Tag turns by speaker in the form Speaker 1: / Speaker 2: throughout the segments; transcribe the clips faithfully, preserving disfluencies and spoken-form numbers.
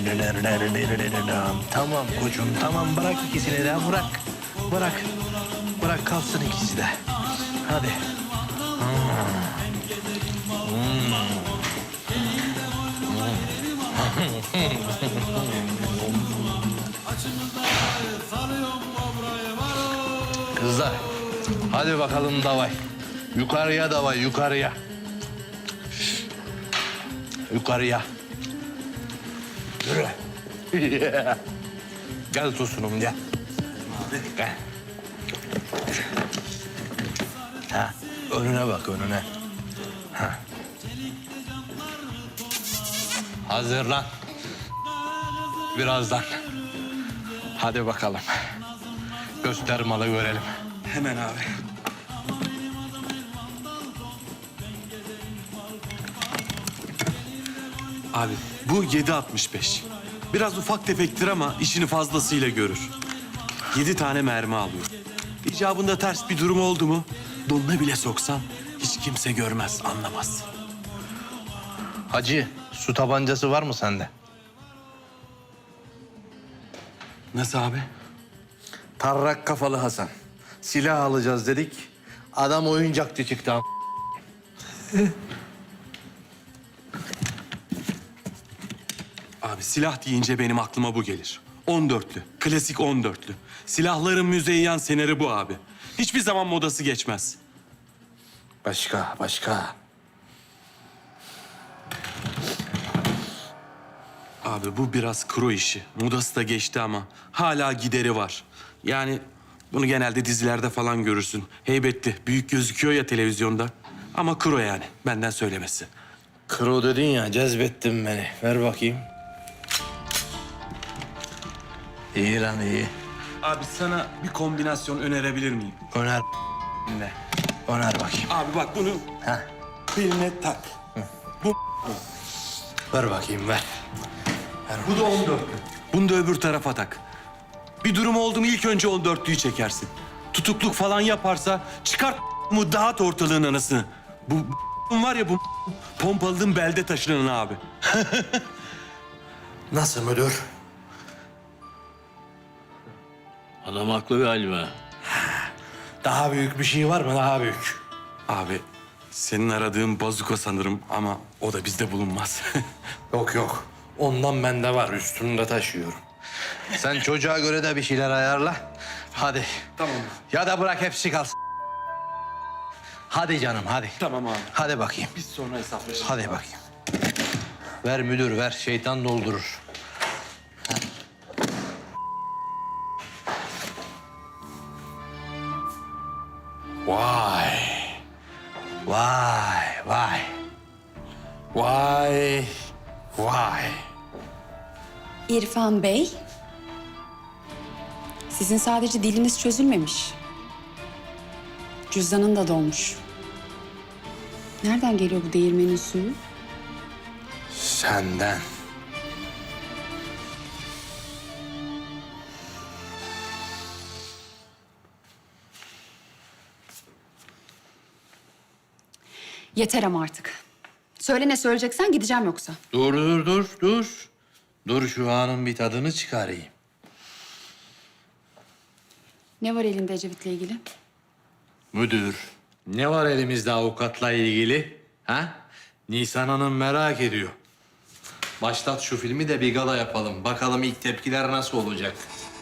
Speaker 1: Tamam koçum, tamam bırak ikisini de bırak. Bırak. Bırak kalsın ikisi de. Hadi. Kızlar, hadi bakalım davay. Yukarıya davay, yukarıya. Yukarıya. Yürü. Gel Tosunum, gel. Abi. Gel. Ha, önüne bak, önüne. Ha. Hazırlan. Birazdan. Hadi bakalım. Göster malı görelim.
Speaker 2: Hemen abi. Abi bu yedi altmış beş. Biraz ufak tefektir ama işini fazlasıyla görür. Yedi tane mermi alıyor. İcabında ters bir durum oldu mu donuna bile soksan hiç kimse görmez, anlamaz.
Speaker 1: Hacı, su tabancası var mı sende?
Speaker 2: Nasıl abi?
Speaker 1: Tarrak kafalı Hasan. Silah alacağız dedik. Adam oyuncakçı çıktı. am-
Speaker 2: Abi silah deyince benim aklıma bu gelir. on dörtlü, klasik on dörtlü. Silahların müzeyyen seneri bu abi. Hiçbir zaman modası geçmez.
Speaker 1: Başka, başka.
Speaker 2: Abi bu biraz kro işi. Modası da geçti ama hala gideri var. Yani bunu genelde dizilerde falan görürsün. Heybetli, büyük gözüküyor ya televizyonda. Ama kro yani, benden söylemesi.
Speaker 1: Kro dedin ya, cezbettin beni. Ver bakayım. İyi lan, iyi.
Speaker 2: Abi sana bir kombinasyon önerebilir miyim?
Speaker 1: Öner ne? Öner bakayım.
Speaker 2: Abi bak bunu
Speaker 1: Heh.
Speaker 2: beline tak. Bu
Speaker 1: Ver bakayım, ver.
Speaker 2: bu da on dörtlü. Bunu da öbür tarafa tak. Bir durum oldu mu ilk önce on dörtlüyü çekersin. Tutukluk falan yaparsa çıkart mu dağıt ortalığın anasını. Bu var ya bu pompalının belde taşınan abi.
Speaker 1: Nasıl müdür?
Speaker 3: Adam haklı galiba.
Speaker 1: Daha büyük bir şey var mı? Daha büyük.
Speaker 2: Abi senin aradığın bazuka sanırım ama o da bizde bulunmaz.
Speaker 1: Yok yok. Ondan bende var. Üstümde taşıyorum. Sen çocuğa göre de bir şeyler ayarla. Hadi.
Speaker 2: Tamam.
Speaker 1: Ya da bırak hepsi kalsın. Hadi canım, hadi.
Speaker 2: Tamam abi.
Speaker 1: Hadi bakayım.
Speaker 2: Biz sonra hesaplaşırız.
Speaker 1: Hadi bakayım. Ver müdür, ver. Şeytan doldurur. Vay. Vay, vay. Vay, vay.
Speaker 4: İrfan Bey, sizin sadece diliniz çözülmemiş. Cüzdanın da dolmuş. Nereden geliyor bu değirmenin suyu?
Speaker 1: Senden.
Speaker 4: Yeter ama artık. Söyle ne söyleyeceksen gideceğim yoksa.
Speaker 1: Dur, dur, dur, dur. Dur şu anın bir tadını çıkarayım.
Speaker 4: Ne var elinde Ecevit'le ilgili?
Speaker 1: Müdür, ne var elimizde avukatla ilgili? Ha? Nisan Hanım merak ediyor. Başlat şu filmi de bir gala yapalım. Bakalım ilk tepkiler nasıl olacak?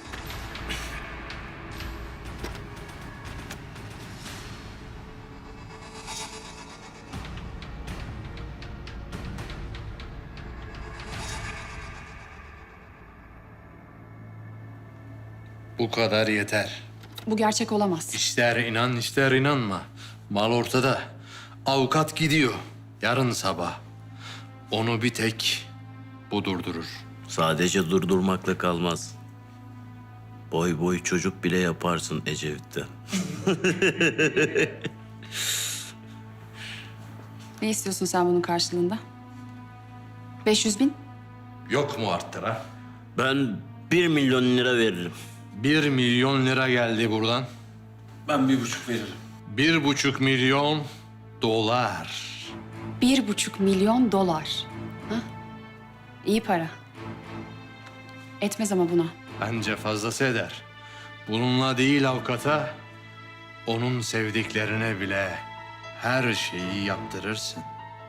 Speaker 1: Bu kadar yeter.
Speaker 4: Bu gerçek olamaz.
Speaker 1: İster inan ister inanma. Mal ortada. Avukat gidiyor. Yarın sabah. Onu bir tek bu durdurur.
Speaker 3: Sadece durdurmakla kalmaz. Boy boy çocuk bile yaparsın Ecevit'ten.
Speaker 4: Ne istiyorsun sen bunun karşılığında? beş yüz bin?
Speaker 1: Yok mu arttıra?
Speaker 3: Ben bir milyon lira veririm.
Speaker 1: Bir milyon lira geldi buradan.
Speaker 2: Ben bir buçuk veririm.
Speaker 1: Bir buçuk milyon dolar.
Speaker 4: Bir buçuk milyon dolar. Ha? İyi para. Etmez ama buna.
Speaker 1: Bence fazlası eder. Bununla değil avukata, onun sevdiklerine bile her şeyi yaptırırsın.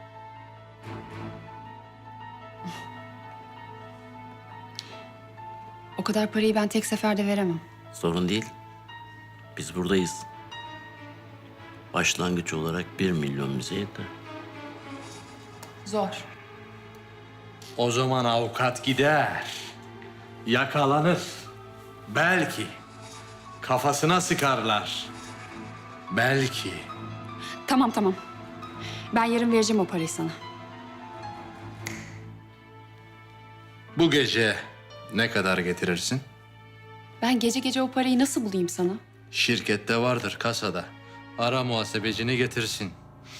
Speaker 4: O kadar parayı ben tek seferde veremem.
Speaker 3: Sorun değil. Biz buradayız. Başlangıç olarak bir milyon bize yeter.
Speaker 4: Zor.
Speaker 1: O zaman avukat gider, yakalanır. Belki kafasına sıkarlar. Belki.
Speaker 4: Tamam tamam. Ben yarın vereceğim o parayı sana.
Speaker 1: Bu gece ne kadar getirirsin?
Speaker 4: Ben gece gece o parayı nasıl bulayım sana?
Speaker 1: Şirkette vardır, kasada. Ara muhasebecini getirsin.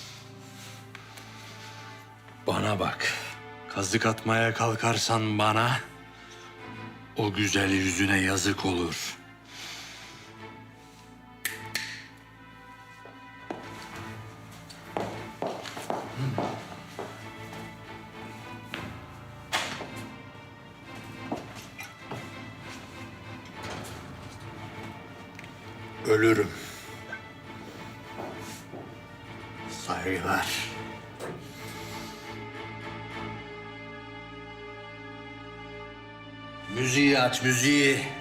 Speaker 1: Bana bak. Kazık atmaya kalkarsan bana, o güzel yüzüne yazık olur. Ölürüm. Saygılar. Müziği aç, müziği.